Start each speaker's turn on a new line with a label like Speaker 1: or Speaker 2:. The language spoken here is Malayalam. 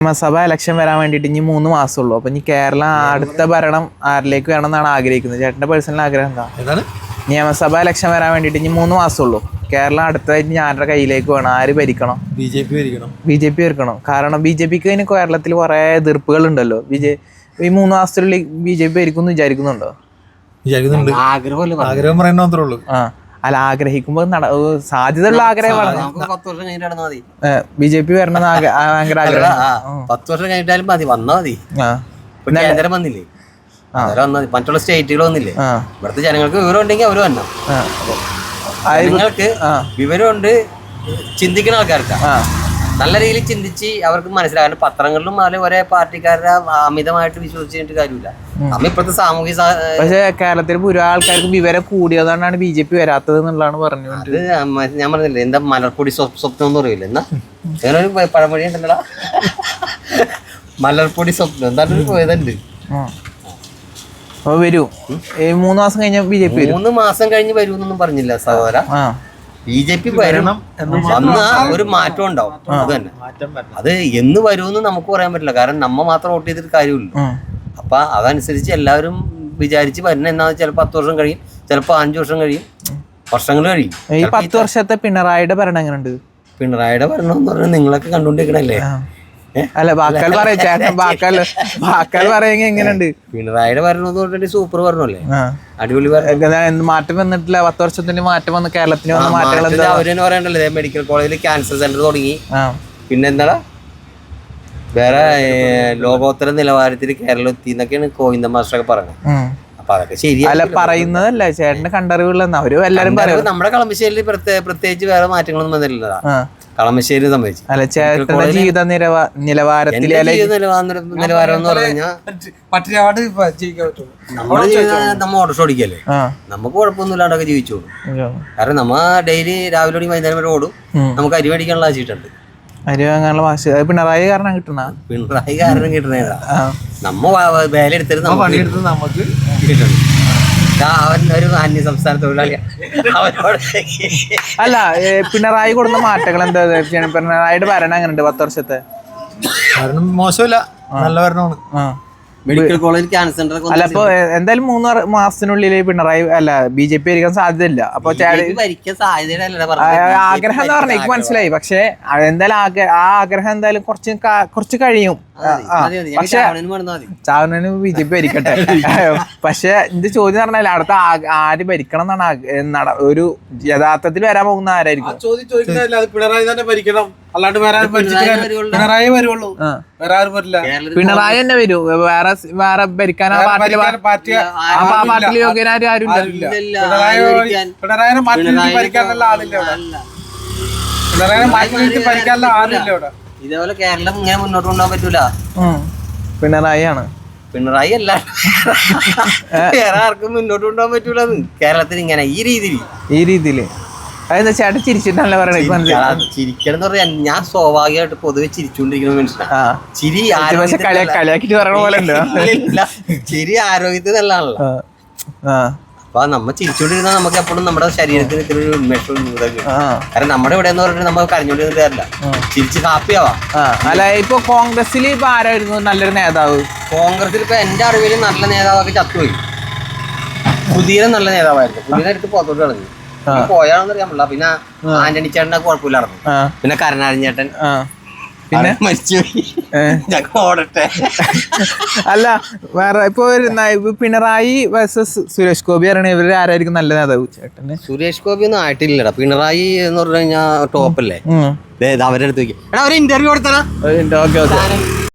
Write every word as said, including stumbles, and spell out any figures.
Speaker 1: നിയമസഭ ഇലക്ഷൻ വരാൻ വേണ്ടിയിട്ട് ഇനി മൂന്ന് മാസമുള്ളൂ. അപ്പൊ ഇനി കേരളം അടുത്ത ഭരണം ആരിലേക്ക് വേണം എന്നാണ് ആഗ്രഹിക്കുന്നത്? ചേട്ടന്റെ പേഴ്സണൽ ആഗ്രഹം എന്താ? നിയമസഭ ഇലക്ഷൻ വരാൻ വേണ്ടിയിട്ട് ഇനി മൂന്ന് മാസമുള്ളൂ. കേരളം അടുത്തതായിട്ട് ഞാനുടെ കയ്യിലേക്ക് വേണം. ആര് ഭരിക്കണം?
Speaker 2: ബി ജെ പി ഭരിക്കണം.
Speaker 1: ബി ജെ പി ഭരിക്കണം. കാരണം ബി ജെ പിക്ക് അതിന് കേരളത്തിൽ കുറെ എതിർപ്പുകൾ ഉണ്ടല്ലോ. ബി ജെ ഈ മൂന്ന് മാസത്തിനുള്ളിൽ ബി ജെ പി ഭരിക്കും എന്ന് വിചാരിക്കുന്നുണ്ടോ?
Speaker 2: വിചാരിക്കുന്നുണ്ട്. ആഗ്രഹം പറയുന്ന മാത്രമേ ഉള്ളൂ.
Speaker 1: ആ അല്ല, ആഗ്രഹിക്കുമ്പോ സാധ്യതയുള്ള ആഗ്രഹമാണ് ബി ജെ പി വരണം ഭയങ്കര ആഗ്രഹം.
Speaker 3: പത്ത് വർഷം കഴിഞ്ഞിട്ടാലും മതി, വന്നാ മതി. കേന്ദ്രം വന്നില്ലേ, മറ്റുള്ള സ്റ്റേറ്റുകൾ വന്നില്ലേ, ഇവിടുത്തെ ജനങ്ങൾക്ക് വിവരം ഉണ്ടെങ്കിൽ അവര് വന്നു. ജനങ്ങൾക്ക് വിവരമുണ്ട്, ചിന്തിക്കുന്ന ആൾക്കാർക്ക് നല്ല രീതിയിൽ ചിന്തിച്ച് അവർക്ക് മനസ്സിലാകാൻ. പത്രങ്ങളിലും അതിൽ ഒരേ പാർട്ടിക്കാരുടെ അമിതമായിട്ട് വിശ്വസിച്ചിട്ട് കാര്യമില്ല. നമ്മ ഇപ്പോഴത്തെ സാമൂഹിക
Speaker 1: പക്ഷേ കേരളത്തിൽ ഭൂരിഭാഗം ആൾക്കാർക്ക് വിവരം കൂടിയതുകൊണ്ടാണ് ബി ജെ പി വരാത്തത് എന്നുള്ളതാണ് പറഞ്ഞത്.
Speaker 3: അത് ഞാൻ പറഞ്ഞില്ലേ, എന്താ മലർപ്പൊടി സ്വപ്നം എന്ന് പറയില്ല, എന്നാ അങ്ങനെ ഒരു പഴമൊഴി ഉണ്ടല്ലോ, മലർപ്പൊടി സ്വപ്നം എന്താണ്ട് പോയതുണ്ട്.
Speaker 1: വരൂ മൂന്ന് മാസം കഴിഞ്ഞ ബി ജെ പി
Speaker 3: മൂന്ന് മാസം കഴിഞ്ഞ് വരുമെന്നൊന്നും പറഞ്ഞില്ല സഹോദര. ബി ജെ പി വരണം, വന്ന ഒരു മാറ്റം ഉണ്ടാവും. അത് തന്നെ, അത് എന്ന് വരുമെന്ന് നമുക്ക് പറയാൻ പറ്റില്ല. കാരണം നമ്മ മാത്രം വോട്ട് ചെയ്തിട്ട് കാര്യമില്ല. അപ്പൊ അതനുസരിച്ച് എല്ലാവരും വിചാരിച്ച് വരുന്ന എന്നാന്ന് വെച്ചാൽ പത്ത് വർഷം കഴിയും, ചിലപ്പോ അഞ്ചു വർഷം കഴിയും, വർഷങ്ങൾ കഴിയും.
Speaker 1: ഈ പത്ത് വർഷത്തെ പിണറായിയുടെ ഭരണം എങ്ങനെയുണ്ട്?
Speaker 3: പിണറായിയുടെ ഭരണം എന്ന് പറഞ്ഞാൽ നിങ്ങളൊക്കെ കണ്ടുകൊണ്ടിരിക്കണല്ലേ.
Speaker 1: അല്ല ബാക്കാൽ പറയാ ചേട്ടൻ, ബാക്കാൽ ബാക്കാൽ പറയുക എങ്ങനെയുണ്ട്?
Speaker 3: പിണറായിയുടെ ഭരണം എന്ന് പറഞ്ഞിട്ട് സൂപ്പർ ഭരണമല്ലേ, അടിപൊളി ഭരണം.
Speaker 1: മാറ്റം വന്നിട്ടില്ല, പത്ത് വർഷത്തിന് മാറ്റം വന്ന് കേരളത്തിന് വന്ന മാറ്റങ്ങൾ
Speaker 3: അവരെന്നെ പറയണ്ടല്ലേ. മെഡിക്കൽ കോളേജിൽ ക്യാൻസർ സെന്റർ തുടങ്ങി, പിന്നെന്താ വേറെ ലോകോത്തര നിലവാരത്തിൽ കേരളം എത്തി എന്നൊക്കെയാണ് ഗോവിന്ദ മാസ്റ്ററൊക്കെ പറയുന്നത്. അപ്പൊ അതൊക്കെ ശരി
Speaker 1: അല്ല, പറയുന്നതല്ല ചേട്ടന്റെ കണ്ടറിവുകളെന്ന് അവര് എല്ലാരും പറയും.
Speaker 3: നമ്മുടെ കളമശ്ശേരിയിൽ പ്രത്യേകിച്ച് വേറെ മാറ്റങ്ങളൊന്നും വന്നിട്ടില്ല. കളമശ്ശേരി സംബന്ധിച്ച്
Speaker 1: അല്ല, ചേട്ടന്റെ ജീവിത നിലവാരത്തിൽ
Speaker 3: നിലവാരം എന്ന് പറഞ്ഞു കഴിഞ്ഞാൽ നമ്മുടെ ജീവിതം നമ്മ ഓട്ടോ ഓടിക്കല്ലേ, നമുക്ക് കുഴപ്പമൊന്നുമില്ലാണ്ടൊക്കെ ജീവിച്ചോളൂ. കാരണം നമ്മ ഡെയിലി രാവിലെ ഓടി വൈകുന്നേരം വരെ ഓടും. നമുക്ക് അരി മേടിക്കാനുള്ള ആശിട്ടുണ്ട്.
Speaker 1: അരി വാങ്ങാനുള്ള വാശി പിണറായി കാരണം കിട്ടണ
Speaker 3: പിണറായി കാരണം കിട്ടണേതാ. നമ്മ വേല എടുത്തിട്ട്
Speaker 2: പണിയെടുത്ത് നമുക്ക്
Speaker 3: കിട്ടണം. അവൻ ഒരു അന്യ സംസ്ഥാന തൊഴിലാളിയാണ്.
Speaker 1: അല്ല, പിണറായി കൊടുക്കുന്ന മാറ്റങ്ങൾ എന്താ? പിണറായിയുടെ ഭരണം എങ്ങനെയുണ്ട്? പത്ത് വർഷത്തെ
Speaker 2: ഭരണം മോശമില്ല, നല്ല ഭരണമാണ്.
Speaker 3: മെഡിക്കൽ കോളേജ് ക്യാൻസർ സെന്റർ
Speaker 1: അല്ല, അപ്പൊ എന്തായാലും മൂന്ന് മാസത്തിനുള്ളിൽ പിണറായി അല്ല ബി ജെ പി ഭരിക്കാൻ സാധ്യതയില്ല. അപ്പൊ ആഗ്രഹം എന്ന് പറഞ്ഞ എനിക്ക് മനസ്സിലായി. പക്ഷെ എന്തായാലും ആ ആഗ്രഹം എന്തായാലും കുറച്ച് കുറച്ച് കഴിയും. പക്ഷെ ചാവനു ബി ജെ പി ഭരിക്കട്ടെ. പക്ഷെ എന്റെ ചോദ്യം പറഞ്ഞാൽ അടുത്ത ആര് ഭരിക്കണം എന്നാണ് ഒരു യഥാർത്ഥത്തിൽ വരാൻ പോകുന്ന ആരായിരിക്കും?
Speaker 2: പിണറായി തന്നെ ഭരിക്കണം, അല്ലാണ്ട് പിണറായി വരുള്ളൂ, വേറെ ആരും വരില്ല.
Speaker 1: പിണറായി തന്നെ വരൂ, വേറെ വേറെ ഭരിക്കാൻ പാർട്ടിയിൽ യോഗ്യനാരും ആരും
Speaker 2: പിണറായിനെ മാറ്റി ഭരിക്കാനുള്ള ആളില്ല ഇവിടെ. പിണറായിനെ മാറ്റി ഭരിക്കാനുള്ള ആളില്ല ഇവിടെ.
Speaker 3: ഇതേപോലെ കേരളം ഇങ്ങനെ മുന്നോട്ട് കൊണ്ടുപോകാൻ പറ്റൂല.
Speaker 1: പിണറായി ആണ്,
Speaker 3: പിണറായി അല്ല വേറെ ആർക്കും മുന്നോട്ട് കൊണ്ടുപോകാൻ പറ്റൂല കേരളത്തിൽ ഇങ്ങനെ ഈ രീതിയിൽ
Speaker 1: ഈ രീതിയില്. അതെന്താ ചേട്ടൻ ചിരിച്ചിട്ടല്ലേ പറയണത്?
Speaker 3: ചിരിക്കണം എന്ന് പറഞ്ഞാൽ ഞാൻ സ്വാഭാവികമായിട്ട് പൊതുവെ ചിരിച്ചുകൊണ്ടിരിക്കുന്ന മനുഷ്യനാണ്. ചിരി
Speaker 1: കളിയാക്കിട്ട് പറയണ പോലെ
Speaker 3: ചിരി ആരോഗ്യത്തിന് നല്ലതാണല്ലോ. അപ്പൊ നമ്മ ചിരിച്ചോണ്ടിരുന്നാൽ നമുക്ക് എപ്പോഴും നമ്മുടെ ശരീരത്തിന് ഇത്ര ഒരു ഉന്മേഷവും ഇതൊക്കെ. കാരണം നമ്മുടെ ഇവിടെ എന്ന് പറഞ്ഞിട്ട് നമുക്ക് കരഞ്ഞോണ്ടിരുന്നിട്ട് കാര്യമില്ല, ചിരിച്ച് ഹാപ്പി ആവാം.
Speaker 1: അല്ല, ഇപ്പൊ കോൺഗ്രസിൽ ഇപ്പൊ ആരായിരുന്നു നല്ലൊരു നേതാവ്?
Speaker 3: കോൺഗ്രസിൽ ഇപ്പൊ എന്റെ അറിവിൽ നല്ല നേതാവൊക്കെ ചത്തുപോയി. സുധീരൻ നല്ല നേതാവായിരുന്നു, സുധീരൻ എടുത്ത് പുറത്തോട്ട് കളഞ്ഞു. പോയാണെന്ന് അറിയാൻ പറ്റില്ല. പിന്നെ ആന്റണി ചേട്ടനെ കുഴപ്പമില്ലായിരുന്നു. പിന്നെ കരുണാകരൻ ചേട്ടൻ പിന്നെ മരിച്ചുപോയി. ഓടട്ടെ.
Speaker 1: അല്ല, വേറെ ഇപ്പൊ പിണറായി വേഴ്സസ് സുരേഷ് ഗോപി അറിയണ ഇവര് ആരായിരിക്കും നല്ല നേതാവ് ചേട്ടന്?
Speaker 3: സുരേഷ് ഗോപി ഒന്നും ആയിട്ടില്ലടാ. പിണറായി എന്ന് പറഞ്ഞു കഴിഞ്ഞാൽ ടോപ്പല്ലേ. അവരെ അടുത്ത് എടാ ഒരു ഇന്റർവ്യൂ കൊടുത്തനാ.